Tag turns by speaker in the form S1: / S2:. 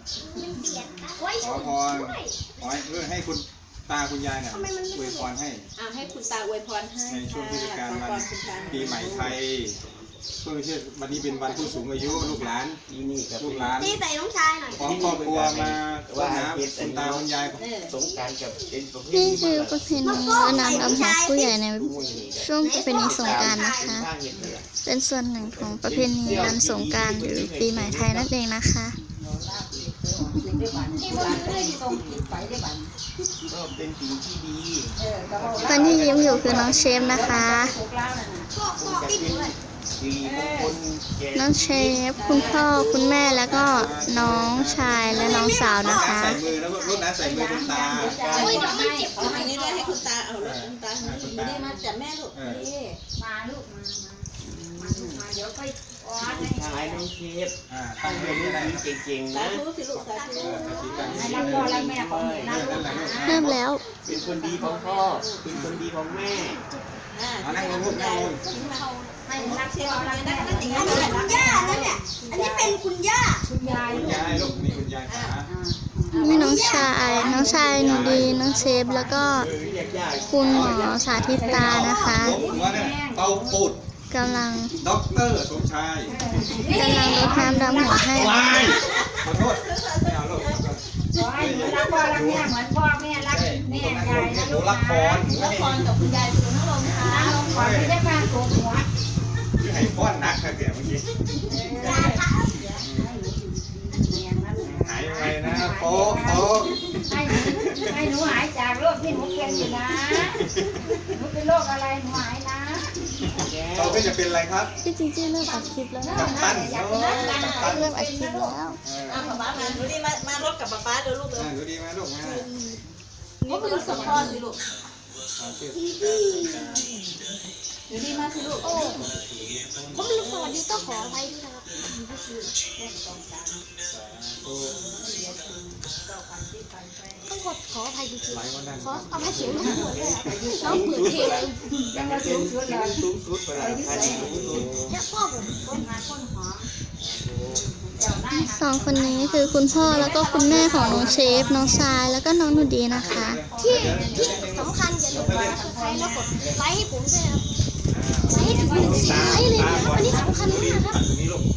S1: ขอพรขอให้คุณตาคุณยายเนี่ยอวยพรให้
S2: ให้คุณตาอวยพรให้
S1: ในช่วงเทศกาลวันปีใหม่ไทยช่วงเทศวันนี้เป็นวันผู้สูงอายุลูกหลานลูกหลาน
S3: ตีใส่น้องชายหน่อย
S1: ของครอบครัวมาว่าคุณตาคุณยาย
S4: สงกรานต์กับเป็นประเพณี
S5: นี่คือประเพณีรดน้ำดำหัวผู้ใหญ่ในช่วงประเพณีสงกรานต์นะคะ เป็นส่วนหนึ่งของประเพณีวันสงกรานต์หรือปีใหม่ไทยนั่นเองนะคะ
S4: ก็เป็นสิ่งที่ดี
S5: คนที่ยิ้มอยู่คือน้องเชฟนะคะน้องเชฟคุณพ่อคุณแม่แล้วก็น้องชายและน้องสาวนะคะ
S1: ใส่มือแล้วก็รดน้ำใส่มือคุณตา
S2: โอ้ยเดี๋ยวมันเจ็บอันนี้ได้ให้คุณตาเอาลูกคุณตาไม่ได้มาจับแม่ลูกนี่มาลูกมาเดี๋ยวค่อย
S4: ชายน้องเชฟต้องเรียนรู้เก่งๆนะ
S5: เริ่มแล้ว
S4: เป็นคนดีของพ่อเป็นคนดีของแม่
S1: นั่งลงลูกนั่งลง
S3: อันนี้คุณย่านั่นเนี่ยอันนี้เป็นคุณย่า
S1: คุณยายลูกนี่คุณยายขา
S5: มีน้องชายหนูดีน้องเชฟแล้วก็คุณหมอสาธิตานะคะ
S1: เป่าปูด
S5: กำลัง
S1: ด็อกเตอร์สมชาย
S5: รดน้ำดำหัวให้
S1: ขอโทษไม่เอาลูก
S2: รักพ่อรักแม่เหมือนพ่อแม่รักแม่ยาย
S1: หนูรักพร
S2: รักพรกับคุณยายคือน้องลมค่ะน้องพรไม่ได้มาโกงหัว
S1: ที่ให้ป้อนนักค่ะเดี๋ยวเมื่อกี้หายไปนะโป๊ะ
S2: ให้หนูหายจากโรคที่หนูเป็นอยู่นะหนูเป็นโรคอะไรหนูหายนะ
S1: เราก็จะเป็นอะไรครับ
S5: พี่จริงๆเริ่มอัดคลิปแล้วนะ
S1: กัปตัน
S5: เริ่มอัดคลิปแล้ว
S2: ป๊าป๊ามาหนูดีมารถกับป๊าป๊าเดี๋ยวลูกเลย
S1: หนูดีมาลูกมา
S2: นี่คือสปอนสิลูกหนูดีมาสิลูก
S3: ผมลืมสวัสดีต้องขออภัยด้วยนะครับต้องขออภัยจริงๆขออภัยเสียงน้องหัวเลยน้องเปิดเพลง
S4: ยังเป็นสูงสุดเวลา
S3: แล้วพ่อผมคนหอม
S5: สองคนนี้คือคุณพ่อแล้วก็คุณแม่ของน้องเชฟน้องชายแล้วก็น้องหนูดีนะคะ
S3: ที่สำคัญอย่าลืมกดซับสไครต์แล้วกดไลค์ให้ผมด้วยครับไลค์ให้ถึง1 แสนไลค์เลยนะครับอันนี้สำคัญมากครับ